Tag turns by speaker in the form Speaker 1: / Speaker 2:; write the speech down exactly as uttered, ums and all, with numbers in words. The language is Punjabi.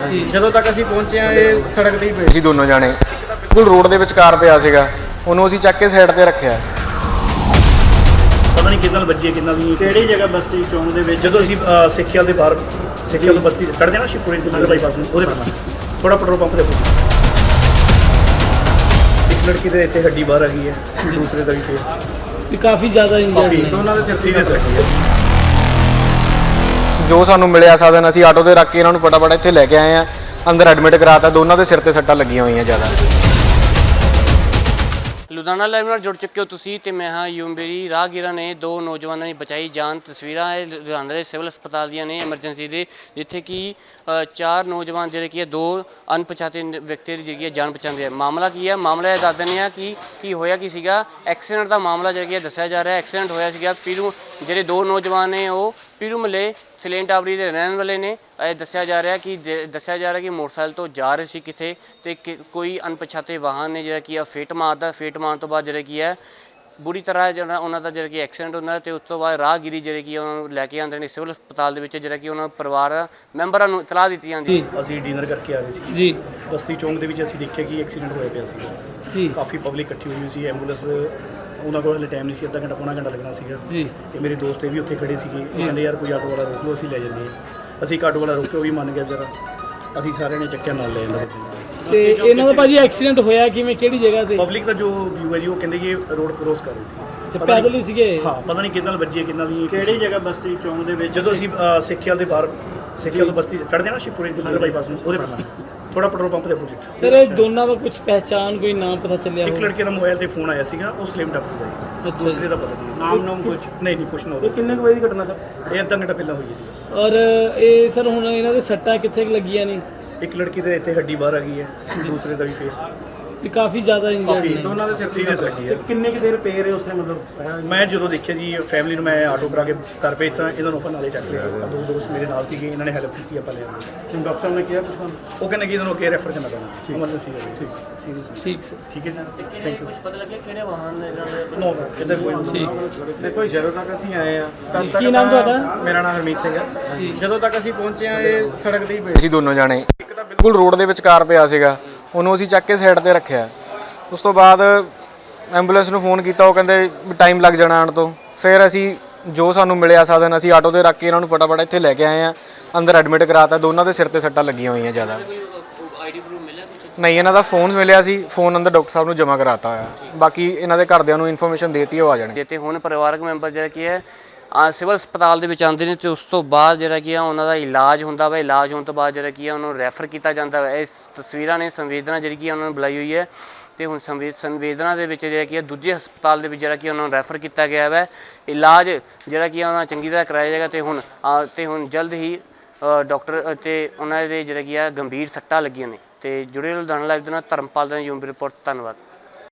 Speaker 1: ਜਦੋਂ ਤੱਕ ਅਸੀਂ ਪਹੁੰਚੇ ਆ ਇਹ ਸੜਕ ਤੇ ਹੀ ਪਏ
Speaker 2: ਸੀ ਦੋਨੋਂ ਜਾਣੇ, ਬਿਲਕੁਲ ਰੋਡ ਦੇ ਵਿਚਕਾਰ ਪਿਆ ਸੀਗਾ। ਉਹਨੂੰ ਅਸੀਂ ਚੱਕ ਕੇ ਸਾਈਡ ਤੇ ਰੱਖਿਆ।
Speaker 3: ਪਤਾ ਨਹੀਂ ਕਿੰਨਾ ਵੱਜੇ ਕਿੰਨਾ ਵੀ
Speaker 1: ਕਿਹੜੀ ਜਗ੍ਹਾ ਬਸਤੀ ਚੌਂਕ ਦੇ ਵਿੱਚ
Speaker 3: ਜਦੋਂ ਅਸੀਂ ਸਿੱਖਿਆ ਦੇ ਬਾਹਰ ਸਿੱਖਿਆ ਤੋਂ ਬਸਤੀ ਚੜ੍ਹਦੇ ਨਾ ਸ਼ਿਵਪੁਰੀ ਦੇ ਨਗਰ ਬਾਈਪਾਸ ਨੂੰ, ਉਹਦੇ ਬਾਹਰ ਥੋੜਾ ਪੈਟਰੋਲ ਪੰਪ ਦੇ ਕੋਲ ਇੱਕ ਲੜਕੀ ਦੇ ਇੱਥੇ ਹੱਡੀ ਬਾਹਰ ਆ ਗਈ ਹੈ, ਦੂਸਰੇ ਦਾ ਵੀ ਫੇਸ
Speaker 4: ਵੀ ਕਾਫੀ ਜ਼ਿਆਦਾ ਇੰਜਰਡ ਨੇ।
Speaker 3: ਦੋਨਾਂ ਦੇ ਸਿਰ ਸੀਰੀਅਸ ਰੱਖੀ ਹੈ।
Speaker 2: ਜੋ ਸਾਨੂੰ ਮਿਲਿਆ ਸਾਧਨ ਅਸੀਂ ਆਟੋ ਤੇ ਰੱਖ ਕੇ ਇਹਨਾਂ ਨੂੰ ਫਟਾਫਟ ਇੱਥੇ ਲੈ ਕੇ ਆਏ ਆ, ਅੰਦਰ ਐਡਮਿਟ ਕਰਾਤਾ। ਦੋਨਾਂ ਦੇ ਸਿਰ ਤੇ ਸੱਟਾਂ ਲੱਗੀਆਂ ਹੋਈਆਂ ਜ਼ਿਆਦਾ।
Speaker 5: ਲੁਧਿਆਣਾ ਲਾਈਵ ਨਾਲ ਜੁੜ ਚੁੱਕੇ ਹੋ ਤੁਸੀਂ ਤੇ ਮੈਂ ਹਾਂ ਯੂਮਬੇਰੀ। ਰਾਹਗੀਰਾਂ ਨੇ ਦੋ ਨੌਜਵਾਨਾਂ ਦੀ ਬਚਾਈ ਜਾਨ। ਤਸਵੀਰਾਂ ਇਹ ਲੁਧਿਆਣਾ ਦੇ ਸਿਵਲ ਹਸਪਤਾਲ ਦੀਆਂ ਨੇ ਐਮਰਜੈਂਸੀ ਦੇ, ਜਿੱਥੇ ਕਿ ਚਾਰ ਨੌਜਵਾਨ ਜਿਹੜੇ ਕੀ ਹੈ ਦੋ ਅਣਪਛਾਤੇ ਵਿਅਕਤੀ ਦੀ ਜਿਹੜੀ ਹੈ ਜਾਨ ਬਚਾਉਂਦੇ ਆ। ਮਾਮਲਾ ਕੀ ਹੈ, ਮਾਮਲਾ ਇਹ ਦੱਸ ਦਿੰਦੇ ਆ ਕਿ ਕੀ ਹੋਇਆ ਕੀ ਸੀਗਾ। ਐਕਸੀਡੈਂਟ ਦਾ ਮਾਮਲਾ ਜਿਹੜਾ ਕੀ ਦੱਸਿਆ ਜਾ ਰਿਹਾ। ਐਕਸੀਡੈਂਟ ਹੋਇਆ ਸੀਗਾ ਪੀਰੂ, ਜਿਹੜੇ ਦੋ ਨੌਜਵਾਨ ਨੇ ਉਹ ਪੀਰੂ ਮੱਲੇ ਸਲੇਨ ਟਾਵਰੀ ਦੇ ਰਹਿਣ ਵਾਲੇ ਨੇ। ਇਹ ਦੱਸਿਆ ਜਾ ਰਿਹਾ ਕਿ ਦੱਸਿਆ ਜਾ ਰਿਹਾ ਕਿ ਮੋਟਰਸਾਈਕਲ ਤੋਂ ਜਾ ਰਹੇ ਸੀ ਕਿਤੇ ਤੇ ਕੋਈ ਅਣਪਛਾਤੇ ਵਾਹਨ ਨੇ ਜਿਹੜਾ ਕੀ ਆ ਫੇਟ ਮਾਰਦਾ। ਫੇਟ ਮਾਰਨ ਤੋਂ ਬਾਅਦ ਜਿਹੜਾ ਕੀ ਹੈ ਬੁਰੀ ਤਰ੍ਹਾਂ ਜਿਹੜਾ ਉਹਨਾਂ ਦਾ ਜਿਹੜਾ ਕਿ ਐਕਸੀਡੈਂਟ ਹੁੰਦਾ ਤੇ ਉਸ ਤੋਂ ਬਾਅਦ ਰਾਹਗੀਰੀ ਜਿਹੜੇ ਕੀ ਉਹਨਾਂ ਨੂੰ ਲੈ ਕੇ ਆਉਂਦੇ ਨੇ ਸਿਵਲ ਹਸਪਤਾਲ ਦੇ ਵਿੱਚ, ਜਿਹੜਾ ਕਿ ਉਹਨਾਂ ਪਰਿਵਾਰ ਮੈਂਬਰਾਂ ਨੂੰ ਇਤਲਾਹ ਦਿੱਤੀ ਜਾਂਦੀ।
Speaker 3: ਅਸੀਂ ਡਿਨਰ ਕਰਕੇ ਆ ਰਹੇ ਸੀ
Speaker 4: ਜੀ,
Speaker 3: ਬਸਤੀ ਚੌਂਕ ਦੇ ਵਿੱਚ। ਅਸੀਂ ਦੇਖਿਆ ਕਿ ਐਕਸੀਡੈਂਟ ਹੋਇਆ ਪਿਆ ਸੀ
Speaker 4: ਜੀ,
Speaker 3: ਕਾਫੀ ਪਬਲਿਕ ਇਕੱਠੀ ਹੋਈ ਸੀ। ਐਂਬੂਲੈਂਸ ਉਹਨਾਂ ਕੋਲ ਹਲੇ ਟਾਈਮ ਨਹੀਂ ਸੀ, ਅੱਧਾ ਘੰਟਾ ਪੌਣਾ ਘੰਟਾ ਲੱਗਣਾ ਸੀਗਾ
Speaker 4: ਜੀ।
Speaker 3: ਤੇ ਮੇਰੇ ਦੋਸਤ ਇਹ ਵੀ ਉੱਥੇ ਖੜੇ ਸੀਗੇ। ਉਹ ਕਹਿੰਦੇ ਯਾਰ ਕੋਈ ਆਟੋ ਵਾਲਾ ਰੋਕ ਲਓ, ਅਸੀਂ ਲੈ ਜਾਂਦੇ ਹਾਂ। ਅਸੀਂ ਇੱਕ ਆਟੋ ਵਾਲਾ ਰੋਕ ਕੇ ਉਹ ਵੀ ਮੰਨ ਗਿਆ ਜਰਾ, ਅਸੀਂ ਸਾਰਿਆਂ ਨੇ ਚੱਕਿਆ ਨਾਲ ਲੈ ਜਾਂਦਾ।
Speaker 4: ਤੇ ਇਹਨਾਂ ਦਾ ਭਾਜੀ ਐਕਸੀਡੈਂਟ ਹੋਇਆ ਕਿਵੇਂ, ਕਿਹੜੀ ਜਗ੍ਹਾ ਤੇ?
Speaker 3: ਪਬਲਿਕ ਦਾ ਜੋ ਵਿਊ ਹੈ ਜੀ, ਉਹ ਕਹਿੰਦੇ ਕਿ ਰੋਡ ਕ੍ਰੋਸ ਕਰ ਰਹੇ ਸੀ।
Speaker 4: ਤੇ ਪੈਦਲ ਹੀ ਸੀਗੇ?
Speaker 3: ਹਾਂ, ਪਤਾ ਨਹੀਂ ਕਿੰਨਾ ਵੱਜੇ ਕਿੰਨਾ ਵੀ
Speaker 1: ਕਿਹੜੀ ਜਗ੍ਹਾ ਬਸਤੀ ਚੌਂਕ ਦੇ ਵਿੱਚ
Speaker 3: ਜਦੋਂ ਅਸੀਂ ਸਿੱਖਿਆ ਦੇ ਬਾਹਰ ਸਿੱਖਿਆ ਤੋਂ ਬਸਤੀ ਚੜ੍ਹਦੇ ਨਾ ਸ਼ਿਵਪੁਰੀ ਦੇ ਨਗਰ ਬਾਈਪਾਸ ਨੂੰ, ਉਹਦੇ ਬਾਹਰ ਥੋੜਾ ਪੈਟਰੋਲ ਪੰਪ ਦੇ ਅਪੋਜ਼ਿਟ।
Speaker 4: ਸਰ ਇਹ ਦੋਨਾਂ ਦਾ ਕੁਝ ਪਹਿਚਾਣ, ਕੋਈ ਨਾਮ ਪਤਾ ਚੱਲਿਆ?
Speaker 3: ਇੱਕ ਲੜਕੇ ਦਾ ਮੋਬਾਈਲ ਤੇ ਫੋਨ ਆਇਆ ਸੀਗਾ, ਉਹ ਸਲੇਮ ਟੱਪ ਦਾ।
Speaker 4: ਅੱਛਾ,
Speaker 3: ਦੂਸਰੇ ਦਾ ਪਤਾ ਨਹੀਂ
Speaker 1: ਨਾਮ ਨਾਮ ਕੁਝ
Speaker 3: ਨਹੀਂ ਨਹੀਂ ਕੁਛ ਨਾ।
Speaker 1: ਇਹ ਕਿੰਨੇ ਕੁ ਵਜੇ ਦੀ ਘਟਨਾ ਸਰ?
Speaker 3: ਇਹ ਅੱਧਾ ਘੰਟਾ ਪਹਿਲਾਂ ਹੋਈ ਹੈ ਜੀ ਬਸ।
Speaker 4: ਔਰ ਇਹ ਸਰ ਹੁਣ ਇਹਨਾਂ ਦੇ ਸੱਟਾਂ ਕਿੱਥੇ ਕੁ ਲੱਗੀਆਂ ਨੇ?
Speaker 3: ਇੱਕ ਲੜਕੀ ਦੇ ਇੱਥੇ ਹੱਡੀ ਬਾਹਰ ਆ ਗਈ ਹੈ, ਦੂਸਰੇ ਦਾ ਵੀ ਫੇਸ
Speaker 4: ਵੀ ਕਾਫੀ ਜ਼ਿਆਦਾ ਇੰਜਰਡ
Speaker 3: ਕਾਫੀ
Speaker 4: ਨੇ।
Speaker 3: ਦੋਨਾਂ ਦੇ ਸਿਰ ਸੀਰੀਅਸ ਰੱਖੀ ਹੈ।
Speaker 1: ਕਿੰਨੇ ਕੁ ਦੇਰ ਪਏ ਰਹੇ ਉਸੇ ਮਤਲਬ?
Speaker 3: ਮੈਂ ਜਦੋਂ ਦੇਖਿਆ ਜੀ ਫੈਮਿਲੀ ਨੂੰ, ਮੈਂ ਆਟੋ ਕਰਾ ਕੇ ਘਰ ਭੇਜਤਾ। ਇਹਨਾਂ ਨੂੰ ਆਪਾਂ ਨਾਲੇ ਚੱਕ ਲਿਆ। ਦੋ ਦੋਸਤ ਮੇਰੇ ਨਾਲ ਸੀਗੇ, ਇਹਨਾਂ ਨੇ ਹੈਲਪ ਕੀਤੀ, ਆਪਾਂ ਲੈ ਆਏ।
Speaker 1: ਡਾਕਟਰ ਸਾਹਿਬ ਨੇ ਕਿਹਾ ਕੁਝ ਤੁਹਾਨੂੰ?
Speaker 3: ਉਹ ਕਹਿੰਦੇ ਕਿ ਇਹਨਾਂ ਨੂੰ ਅੱਗੇ ਰੈਫਰ ਕਰਨਾ ਪੈਣਾ, ਐਮਰਜੈਂਸੀ ਹੈ। ਠੀਕ ਸੀਰੀਅਸ
Speaker 4: ਠੀਕ ਸਰ,
Speaker 3: ਠੀਕ ਹੈ ਜੀ, ਥੈਂਕ ਯੂ।
Speaker 5: ਕੁਝ ਪਤਾ ਲੱਗਿਆ ਕਿਹੜੇ ਵਾਹਨ ਨੇ ਜਿਹੜੇ
Speaker 3: ਨੋ ਕਿਤੇ ਕੋਈ
Speaker 4: ਠੀਕ।
Speaker 1: ਦੇਖੋ ਜਦੋਂ ਤੱਕ ਅਸੀਂ ਆਏ ਆ ਤਦ ਤੱਕ
Speaker 4: ਕੀ ਨਾਮ ਤੁਹਾਡਾ?
Speaker 1: ਮੇਰਾ ਨਾਮ ਹਰਮੀਤ ਸਿੰਘ ਹੈ। ਜਦੋਂ ਤੱਕ ਅਸੀਂ ਪਹੁੰਚੇ ਆ ਇਹ ਸੜਕ ਤੇ ਹੀ ਪਏ
Speaker 2: ਸੀ ਦੋਨੋਂ ਜਾਣੇ, ਬਿਲਕੁਲ ਰੋਡ ਦੇ ਵਿਚਕਾਰ ਪਿਆ ਸੀਗਾ। ਉਹਨੂੰ ਅਸੀਂ ਚੱਕ ਕੇ ਸਾਈਡ ਤੇ ਰੱਖਿਆ। ਉਸ ਤੋਂ ਬਾਅਦ ਐਂਬੂਲੈਂਸ ਨੂੰ ਫੋਨ ਕੀਤਾ, ਉਹ ਕਹਿੰਦੇ ਟਾਈਮ ਲੱਗ ਜਾਣਾ ਆਉਣ ਤੋਂ। ਫਿਰ ਅਸੀਂ ਜੋ ਸਾਨੂੰ ਮਿਲਿਆ ਸਾਧਨ ਅਸੀਂ ਆਟੋ ਤੇ ਰੱਖ ਕੇ ਇਹਨਾਂ ਨੂੰ ਫਟਾਫਟ ਇੱਥੇ ਲੈ ਕੇ ਆਏ ਆ, ਅੰਦਰ ਐਡਮਿਟ ਕਰਾਤਾ। ਦੋਨਾਂ ਦੇ ਸਿਰ ਤੇ ਸੱਟਾਂ ਲੱਗੀਆਂ ਹੋਈਆਂ ਜ਼ਿਆਦਾ।
Speaker 5: ਆਈਡੀ ਪ੍ਰੂਫ ਮਿਲਿਆ ਕੁਝ?
Speaker 2: ਨਹੀਂ, ਇਹਨਾਂ ਦਾ ਫੋਨ ਮਿਲਿਆ ਸੀ, ਫੋਨ ਅੰਦਰ ਡਾਕਟਰ ਸਾਹਿਬ ਨੂੰ ਜਮ੍ਹਾਂ ਕਰਾਤਾ ਹੋਇਆ। ਬਾਕੀ ਇਹਨਾਂ ਦੇ ਘਰਦਿਆਂ ਨੂੰ ਇਨਫੋਰਮੇਸ਼ਨ ਦੇਤੀ, ਉਹ ਆ ਜਾਣਗੇ।
Speaker 5: ਤੇ ਹੁਣ ਪਰਿਵਾਰਕ ਮੈਂਬਰ ਜਿਹੜਾ ਕੀ ਹੈ ਆ ਸਿਵਲ ਹਸਪਤਾਲ ਦੇ ਵਿੱਚ ਆਉਂਦੇ ਨੇ ਤੇ ਉਸ ਤੋਂ ਬਾਅਦ ਜਿਹੜਾ ਕੀ ਆ ਉਹਨਾਂ ਦਾ ਇਲਾਜ ਹੁੰਦਾ ਵਾ। ਇਲਾਜ ਹੋਣ ਤੋਂ ਬਾਅਦ ਜਿਹੜਾ ਕੀ ਆ ਉਹਨੂੰ ਰੈਫਰ ਕੀਤਾ ਜਾਂਦਾ ਵਾ। ਇਸ ਤਸਵੀਰਾਂ ਨੇ ਸੰਵੇਦਨਾ ਜਿਹੜੀ ਕੀ ਉਹਨਾਂ ਨੂੰ ਬੁਲਾਈ ਹੋਈ ਹੈ ਤੇ ਹੁਣ ਸੰਵੇ ਸੰਵੇਦਨਾ ਦੇ ਵਿੱਚ ਜਿਹੜਾ ਕੀ ਆ ਦੂਜੇ ਹਸਪਤਾਲ ਦੇ ਵਿੱਚ ਜਿਹੜਾ ਕੀ ਉਹਨਾਂ ਨੂੰ ਰੈਫਰ ਕੀਤਾ ਗਿਆ ਵਾ। ਇਲਾਜ ਜਿਹੜਾ ਕੀ ਉਹਨਾਂ ਚੰਗੀ ਤਰ੍ਹਾਂ ਕਰਾਇਆ ਜਾਏਗਾ ਤੇ ਹੁਣ ਤੇ ਹੁਣ ਜਲਦ ਹੀ ਡਾਕਟਰ ਤੇ ਉਹਨਾਂ ਦੇ ਜਿਹੜਾ ਕੀ ਆ ਗੰਭੀਰ ਸੱਟਾਂ ਲੱਗੀਆਂ ਨੇ। ਤੇ ਜੁੜੇ ਲੁਧਿਆਣਾ ਲਾਈਵ ਦੇ ਨਾਲ ਧਰਮਪਾਲ ਦਾ ਯੂਮ ਰਿਪੋਰਟ। ਧੰਨਵਾਦ।